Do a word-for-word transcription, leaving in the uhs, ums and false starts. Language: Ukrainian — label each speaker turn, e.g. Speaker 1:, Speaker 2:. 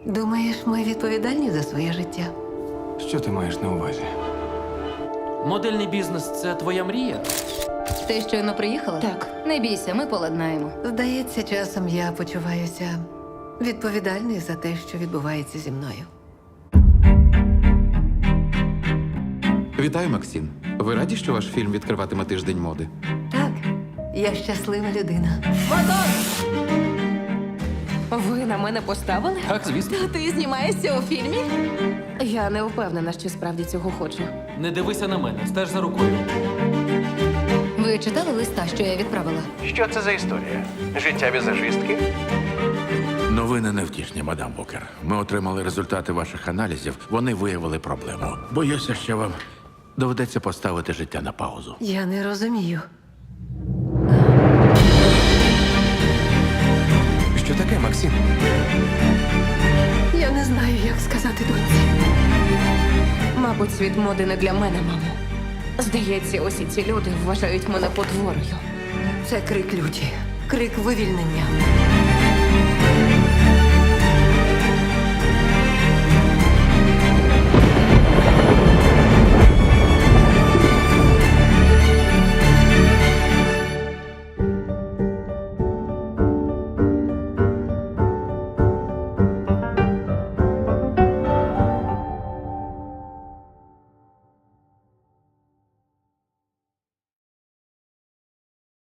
Speaker 1: Думаєш, ми відповідальні за своє життя?
Speaker 2: Що ти маєш на увазі?
Speaker 3: Модельний бізнес це твоя мрія?
Speaker 4: Ти щойно приїхала?
Speaker 5: Так, не бійся, ми поладнаємо.
Speaker 1: Здається, часом я почуваюся відповідальною за те, що відбувається зі мною.
Speaker 6: Вітаю, Максим. Ви раді, що ваш фільм відкриватиме тиждень моди?
Speaker 1: Так, я щаслива людина.
Speaker 5: Ви на мене поставили?
Speaker 3: Так, звісно.
Speaker 5: Та ти знімаєшся у фільмі? Я не впевнена, що справді цього хочу.
Speaker 3: Не дивися на мене, стеж за рукою.
Speaker 4: Ви читали листа, що я відправила?
Speaker 7: Що це за історія? Життя візажистки?
Speaker 8: Новини невтішні, мадам Букер. Ми отримали результати ваших аналізів. Вони виявили проблему. Боюся, що вам доведеться поставити життя на паузу.
Speaker 1: Я не розумію.
Speaker 2: Що таке, Максим?
Speaker 1: Я не знаю, як сказати доньці.
Speaker 5: Мабуть, світ моди не для мене, мамо. Здається, усі ці люди вважають мене потворою.
Speaker 1: Це крик люті, крик вивільнення.